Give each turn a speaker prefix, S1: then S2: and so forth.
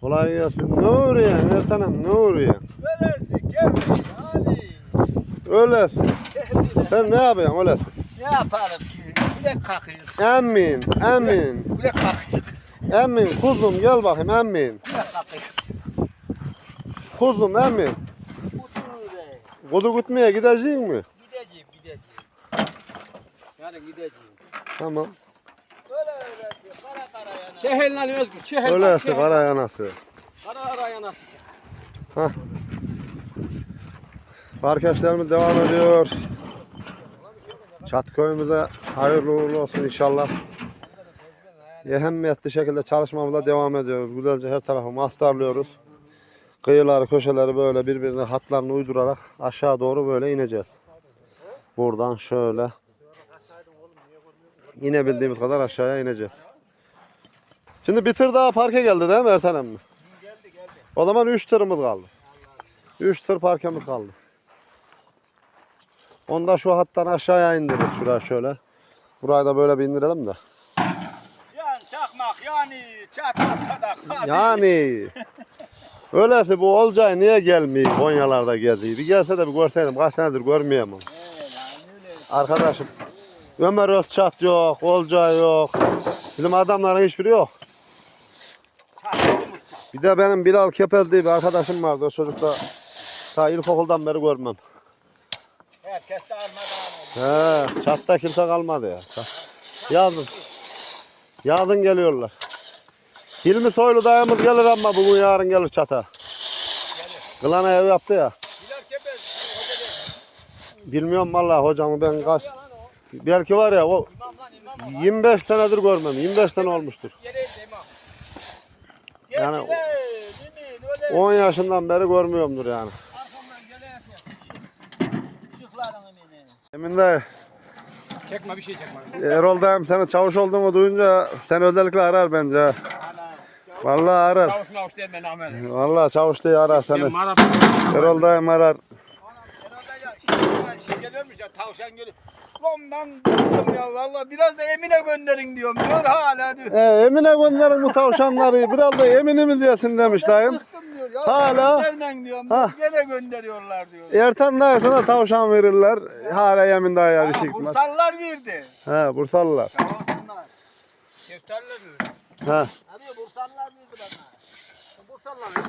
S1: Kolay gelsin. Ne uğruyor Ertan'ım, ne uğruyor?
S2: Öylesi gelmiş hadi.
S1: Öylesin. Sen ne yapıyorsun öylesin?
S2: Ne yapalım ki? Kulek kalkıyoruz.
S1: Emin, emin.
S2: Kulek kalkıyoruz.
S1: Emin, kuzum gel bakayım emin.
S2: Kulek kalkıyoruz.
S1: Kuzum emin.
S2: Otur be.
S1: Kudu gitmeye gidecek mi?
S2: Gideceğim. Yani gideceğim.
S1: Tamam.
S2: Öyle kara yana.
S3: Çehel lan Özgür, çehel.
S1: Öylesi kara yanası.
S3: Kara yanası.
S1: Hah. Arkadaşlarımız devam ediyor. Çat köyümüze hayırlı uğurlu olsun inşallah. Ehemmiyetli şekilde çalışmamıza devam ediyoruz. Güzelce her tarafı mastarlıyoruz. Kıyıları, köşeleri böyle birbirine hatlarını uydurarak aşağı doğru böyle ineceğiz. Buradan şöyle inebildiğimiz kadar aşağıya ineceğiz. Şimdi bir tır daha parke geldi değil mi Ertan emmi?
S2: Geldi.
S1: O zaman 3 tırımız kaldı. 3 tır parkemiz kaldı. Onu da şu hattan aşağıya indiririz şuraya şöyle. Burayı da böyle bir indirelim de.
S2: Yani çakmak yani çatmak kadak. Hadi.
S1: Yani öyleyse bu Olcay niye gelmiyor Konyalarda geziyor? Bir gelse de bir görseydim, kaç senedir görmeyemem.
S2: Öyle.
S1: Arkadaşım Ömer Özçat yok, Olcay yok. Bizim adamların hiçbiri yok. Bir de benim Bilal Kepez diye bir arkadaşım vardı. O çocuk da ta ilkokuldan beri görmem.
S2: Herkes de almadan.
S1: He, çatta kimse kalmadı ya. Yazın. Yazın geliyorlar. Hilmi Soylu dayımız gelir ama bugün yarın gelir çata. Kılana ev yaptı ya.
S3: Bilal Kepez, hoca
S1: Bilmiyorum vallahi hocamı ben kaç. Belki var ya o 25 senedir görmem. 25 sene olmuştur. Yani 10 yaşından beri görmüyorumdur yani. Emin dayı,
S3: Çekme bir şey çekme.
S1: Erol dayım senin çavuş olduğunu duyunca seni özellikle arar bence. Vallahi arar.
S3: Çavuş mavuş değil ben Ahmet.
S1: Vallahi çavuş diye arar seni.
S3: Ben marap.
S1: Erol dayım arar.
S2: Şey geliyormuş ya tavşan geliyor. Lan ben bıktım ya valla biraz da Emine gönderin diyorum diyor hala diyor.
S1: Emine gönderin bu tavşanları. Biraz da Emin'imiz yesin demiş dayım.
S2: Bıktım diyor ya.
S1: Hala.
S2: Göndermen diyorum.
S1: Ha.
S2: Gene gönderiyorlar diyor.
S1: Ertan dayı sana tavşan verirler. Hala Emin dayıya bir şey gitmez.
S2: Bursalılar verdi.
S1: He, Bursalılar.
S2: Sağ olsunlar.
S3: Şeftaller mi?
S1: He.
S2: Abi Bursalılar verdi bana.
S3: Bursalılar.